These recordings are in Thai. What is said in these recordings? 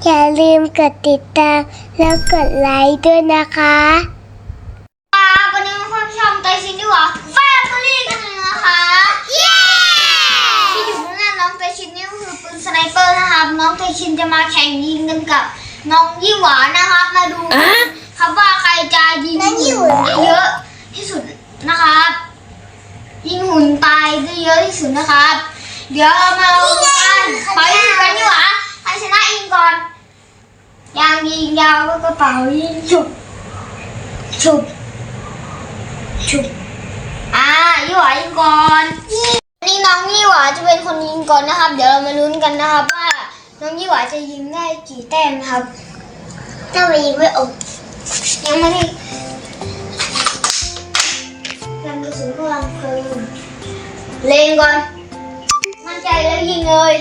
อย่าลืมกดติดตามแล้วกดไลค์ด้วยนะคะวันนี้มาชมไตชินดีกว่าแฟมิลี่กันเลยนะคะเย้ที่อยู่ข้างหน้าน้องไตชินนี่ก็คือปืนสไนเปอร์นะครับน้องไตชินจะมาแข่งยิงกันกับน้องยี่หวานะครับมาดูครับว่าใครจะยิงหุ่นเยอะที่สุดนะครับยิงหุ่นตายได้เยอะที่สุดนะครับเดี๋ยวมาดูกันไปยิงกันยี่หวาใครชนะยิงก่อนยางยิงยาวก็กระเป๋ายิงฉุบฉุบชุบยี่หวายิงก่อนนี่น้องยี่หวาจะเป็นคนยิงก่อนนะครับเดี๋ยวเรามาลุ้นกันนะครับว่าน้องยี่หวาจะยิงได้กี่แต้มนะครับถ้าไปยิงไม่ออกยังไม่ได้ยังกระสุนกำลังเพลิงเล็งก่อนมั่นใจแล้วยิงเลย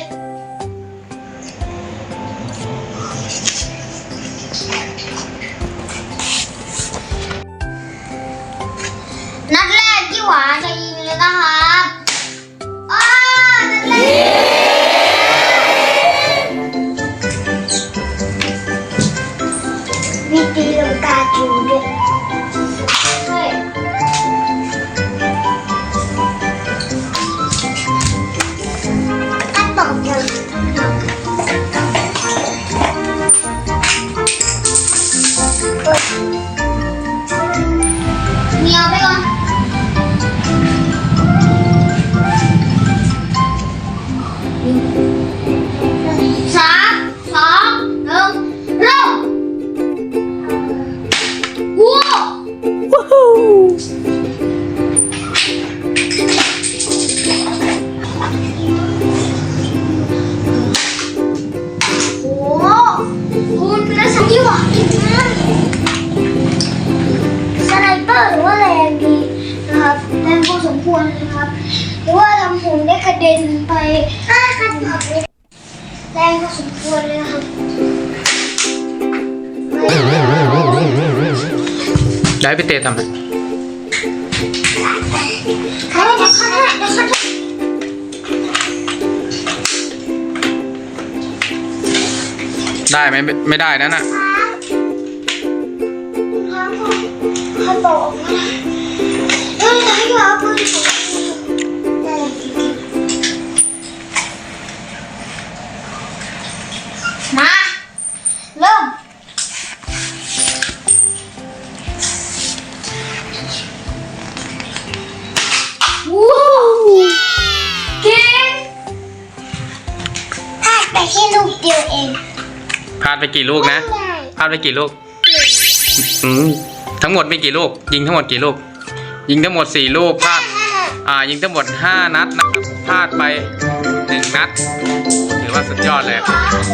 นัดแรกยี่หวาจะยิงเลยนะครับนัดแรกมีตีลังกาจูด้วยเฮ้ยกันตอบยังเมียวไปก่อน3 2 1เริ่มว้าวโอ้คุณเป็นสัญญาอีกนะสไนเปอร์หรือว่าแรงดีนะครับแรงพอสมควรนะครับหรือว่าทำหุ่นได้กระเด็นไปขั้นตอนนี้แรงพอสมควรเลยนะครับได้ไปเตะทำไมได้ไหมไม่ได้นั่นน่ะเขาบอกว่าเฮ้ยไหนวะปืนมาเริ่มว้าวเก่งพลาดไปแค่ลูกเดียวเองพลาดไปกี่ลูกนะพลาดไปกี่ลูกทั้งหมดมีกี่ลูกยิงทั้งหมดกี่ลูกยิงทั้งหมด4ลูกพลาดยิงทั้งหมด5นัดนะครับพลาดไป1นัดถือว่าสุดยอดเลย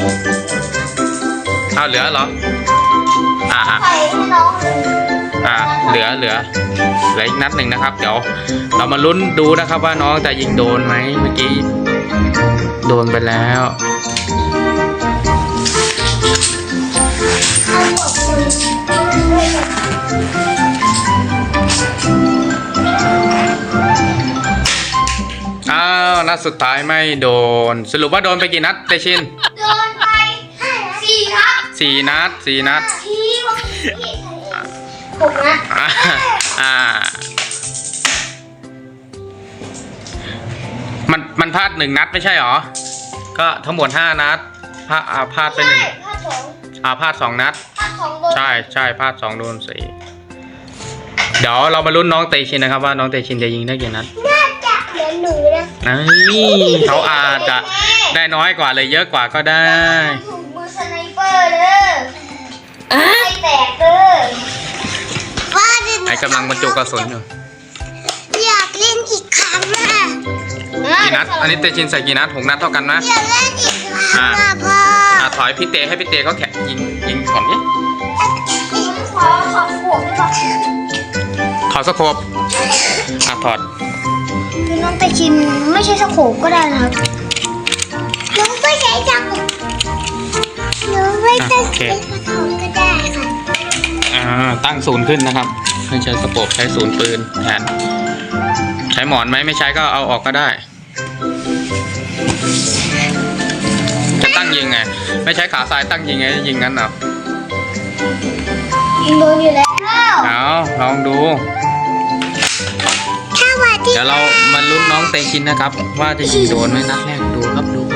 เอาเหลือเหรอใส่ให้น้องเหลืออีกนัดหนึ่งนะครับเดี๋ยวเรามาลุ้นดูนะครับว่าน้องจะยิงโดนไหมเมื่อกี้โดนไปแล้วนัดสุดท้ายไม่โดนสรุปว่าโดนไปกี่นัดเตชินโดนไป4 นัด 4 นัด 6 นัดมันพลาด1 นัดไม่ใช่หรอก็ทั้งหมด5 นัดพลาดไป1พลาด2 นัดใช่พลาด2โดน4เดี๋ยวเรามาลุ้นน้องเตชินนะครับว่าน้องเตชินจะยิงได้กี่นัดน่าจะเหลือหนูนะเขาอาจจะได้น้อยกว่าเลยเยอะกว่าก็ได้ถูกมือสไนเปอร์เลยไม่แตกเลยไอ้กำลังบรรจุกระสุนอยู่อยากเล่นอีกครั้งกี่นัดอันนี้เตชินใส่กี่นัด6 นัดเท่ากันนะอยากเล่นอีกครั้งพ่อถอยพี่เตให้พี่เตเขาแข่งยิงก่อนนี่ขอขวบได้ปะถอดสโคปถอดน้องไปชิมไม่ใช่สโคปก็ได้นะครับน้องไม่ใช้จักรน้องไม่ต้องใช้กระถางก็ได้ค่ะตั้งศูนย์ขึ้นนะครับไม่ใช้สโคปใช้ศูนย์ปืนแทนใช้หมอนไหมไม่ใช้ก็เอาออกก็ได้จะตั้งยิงไงไม่ใช้ขาซ้ายตั้งยิงไงยิงงั้นเหรอโดนอยู่แล้วเอาลองดูถ้าวันที่เดี๋ยวเรามาลุ้นน้องเตชินนะครับ ว่าจะยิงโดนไหมนัดแรกดูครับดู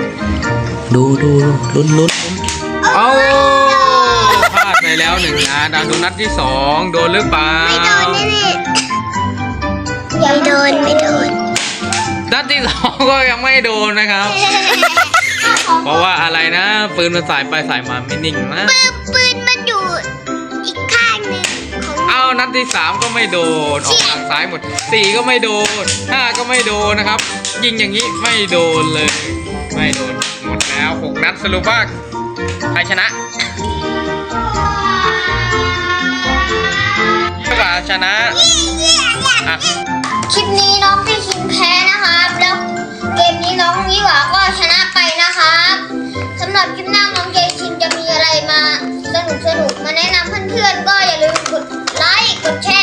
ลุ้นเอาพลาดไปแล้วหนึ่งนัดดูนัดที่สองโดนหรือเปล่าไม่โดนแน่ๆไม่โดนนัดที่สองก็ยังไม่โดนนะครับ เพราะว่าอะไรนะปืนมันสายไปสายมาไม่นิ่งนะปืนมันอยู่อีกข้างหนึ่งของเอานัดที่สามก็ไม่โดนออกทางซ้ายหมดสี่ก็ไม่โดนห้าก็ไม่โดนนะครับ ยิงอย่างนี้ไม่โดนเลย ไม่โดนหมดแล้ว6 นัดสรุปว่าใครชนะชนะอ่ะคลิปนี้น้องเตชินแพ้นะครับแล้วเกมนี้น้องยี่หวาก็ชนะไปนะครับสำหรับคลิปหน้าน้องเตชินจะมีอะไรมาสนุกมาแนะนำเพื่อนๆก็อย่าลืมกดไลค์กดแช